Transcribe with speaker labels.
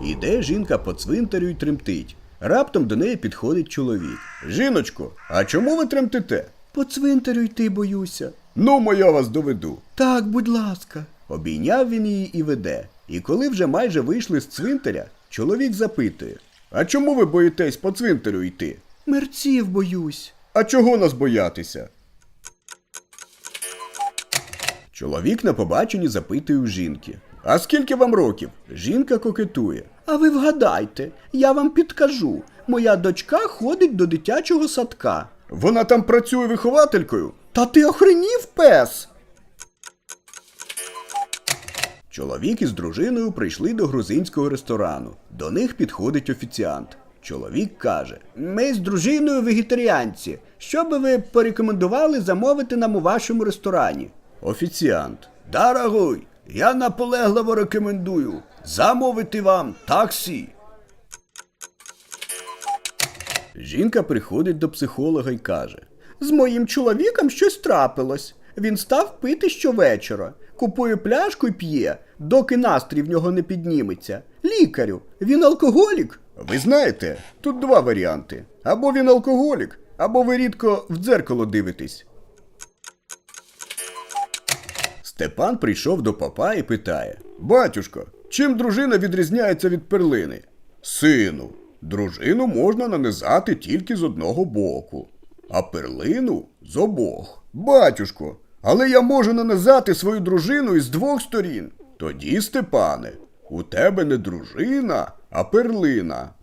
Speaker 1: Іде жінка по цвинтарю й тремтить. Раптом до неї підходить чоловік. «Жіночко, а чому ви тремтите?» «По цвинтарю йти боюся». «Ну, я вас доведу». «Так, будь ласка». Обійняв він її і веде. І коли вже майже вийшли з цвинтаря, чоловік запитує: «А чому ви боїтесь по цвинтарю йти?» «Мерців боюсь». «А чого нас боятися?» Чоловік на побаченні запитує у жінки: «А скільки вам років?» Жінка кокетує: «А ви вгадайте, я вам підкажу. Моя дочка ходить до дитячого садка». «Вона там працює вихователькою?» «Та ти охренів, пес?» Чоловік із дружиною прийшли до грузинського ресторану. До них підходить офіціант. Чоловік каже: «Ми з дружиною вегетаріанці. Що би ви порекомендували замовити нам у вашому ресторані?» Офіціант: «Дорогой, я наполегливо рекомендую замовити вам таксі». Жінка приходить до психолога і каже: «З моїм чоловіком щось трапилось. Він став пити щовечора. Купує пляшку і п'є, доки настрій в нього не підніметься. Лікарю, він алкоголік?» Ви знаєте, тут два варіанти. Або він алкоголік, або ви рідко в дзеркало дивитесь. Степан прийшов до попа і питає: «Батюшко, чим дружина відрізняється від перлини?» «Сину, дружину можна нанизати тільки з одного боку, а перлину з обох». «Батюшко, але я можу нанизати свою дружину із двох сторін». «Тоді, Степане, у тебе не дружина, а перлина».